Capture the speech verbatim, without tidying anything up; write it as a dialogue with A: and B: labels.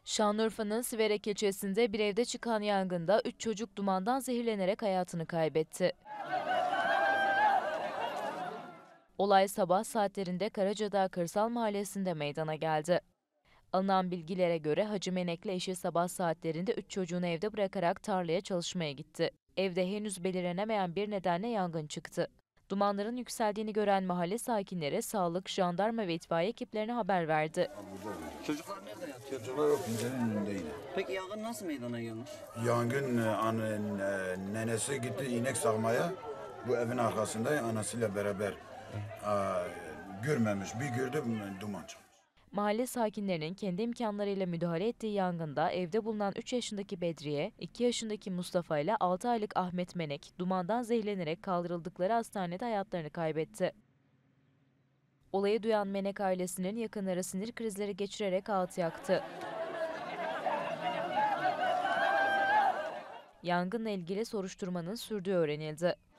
A: Şanlıurfa'nın Siverek ilçesinde bir evde çıkan yangında üç çocuk dumandan zehirlenerek hayatını kaybetti. Olay sabah saatlerinde Karacadağ Kırsal Mahallesi'nde meydana geldi. Alınan bilgilere göre Hacı Menek'le eşi sabah saatlerinde üç çocuğunu evde bırakarak tarlaya çalışmaya gitti. Evde henüz belirlenemeyen bir nedenle yangın çıktı. Dumanların yükseldiğini gören mahalle sakinleri sağlık, jandarma ve itfaiye ekiplerine haber verdi.
B: Çocuklar nerede yatıyor?
C: Çocuklar o pencerenin önünde yine.
B: Peki yangın nasıl meydana gelmiş?
C: Yangın e, an, e, nenesi gitti inek sağmaya. Bu evin arkasında anasıyla beraber a, görmemiş. Bir gördü duman çıkmış.
A: Mahalle sakinlerinin kendi imkanlarıyla müdahale ettiği yangında evde bulunan üç yaşındaki Bedriye, iki yaşındaki Mustafa ile altı aylık Ahmet Menek dumandan zehirlenerek kaldırıldıkları hastanede hayatlarını kaybetti. Olayı duyan Menek ailesinin yakınları sinir krizleri geçirerek ağıt yaktı. Yangınla ilgili soruşturmanın sürdüğü öğrenildi.